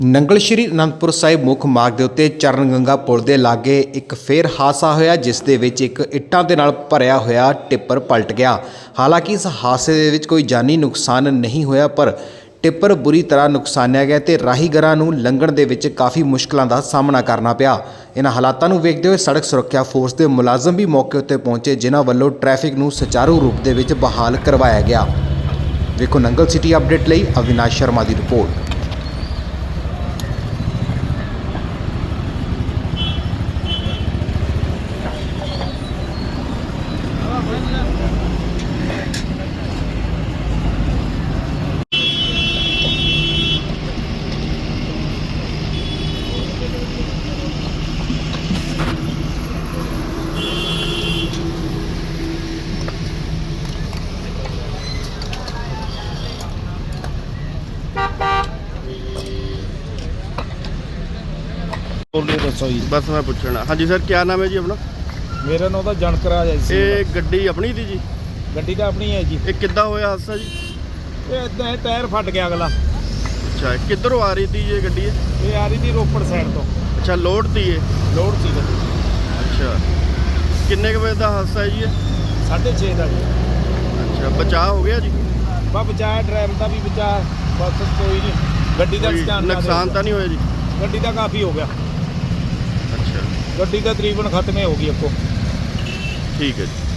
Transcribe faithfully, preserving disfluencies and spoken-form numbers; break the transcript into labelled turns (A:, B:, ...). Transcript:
A: ਨੰਗਲ ਸ਼੍ਰੀ ਅਨੰਦਪੁਰ ਸਾਹਿਬ ਮੁੱਖ ਮਾਰਗ ਦੇ ਉੱਤੇ ਚਰਨ ਗੰਗਾ ਪੁਲ ਦੇ ਲਾਗੇ ਇੱਕ ਫੇਰ ਹਾਦਸਾ ਹੋਇਆ, ਜਿਸ ਦੇ ਵਿੱਚ ਇੱਕ ਇੱਟਾਂ ਦੇ ਨਾਲ ਭਰਿਆ ਹੋਇਆ ਟਿੱਪਰ ਪਲਟ ਗਿਆ। ਹਾਲਾਂਕਿ ਇਸ ਹਾਦਸੇ ਦੇ ਵਿੱਚ ਕੋਈ ਜਾਨੀ ਨੁਕਸਾਨ ਨਹੀਂ ਹੋਇਆ, ਪਰ ਟਿੱਪਰ ਬੁਰੀ ਤਰ੍ਹਾਂ ਨੁਕਸਾਨਿਆ ਗਿਆ ਤੇ ਰਾਹੀਗਰਾਂ ਨੂੰ ਲੰਘਣ ਦੇ ਵਿੱਚ ਕਾਫੀ ਮੁਸ਼ਕਲਾਂ ਦਾ ਸਾਹਮਣਾ ਕਰਨਾ ਪਿਆ। ਇਹਨਾਂ ਹਾਲਾਤਾਂ ਨੂੰ ਵੇਖਦੇ ਹੋਏ ਸੜਕ ਸੁਰੱਖਿਆ ਫੋਰਸ ਦੇ ਮੁਲਾਜ਼ਮ ਵੀ ਮੌਕੇ ਉੱਤੇ ਪਹੁੰਚੇ, ਜਿਨ੍ਹਾਂ ਵੱਲੋਂ ਟ੍ਰੈਫਿਕ ਨੂੰ ਸੁਚਾਰੂ ਰੂਪ ਦੇ ਵਿੱਚ ਬਹਾਲ ਕਰਵਾਇਆ ਗਿਆ। ਵੇਖੋ ਨੰਗਲ ਸਿਟੀ ਅਪਡੇਟ ਲਈ ਅਵਿਨਾਸ਼ ਸ਼ਰਮਾ ਦੀ ਰਿਪੋਰਟ।
B: बोलिए दसो जी।
C: बस मैं पूछना। हाँ जी सर, क्या नाम है जी अपना?
B: मेरा नाम तो जनकराज है जी।
C: ये गड्डी अपनी थी जी?
B: गड्डी तो अपनी है जी।
C: ये किद्दां होया हादसा जी?
B: ये इदां है, टायर फट गया अगला।
C: अच्छा, किधरों आ रही थी ये गड्डी?
B: ये आ रही थी रोपड़ साइड तो।
C: अच्छा, लोड थी ये?
B: लोड थी गड्डी।
C: अच्छा, किन्ने के बजे का हादसा है जी ये?
B: साढ़े छे का जी।
C: अच्छा, बचाव हो गया जी?
B: बस बचाया, ड्राइवर का भी बचा, बस कोई नहीं। गड्डी का
C: कोई नुकसान तो नहीं होया जी?
B: गड्डी का काफ़ी हो गया।
C: अच्छा,
B: गड्डी का तकरीबन खत्म हो गई आपको।
C: ठीक है जी।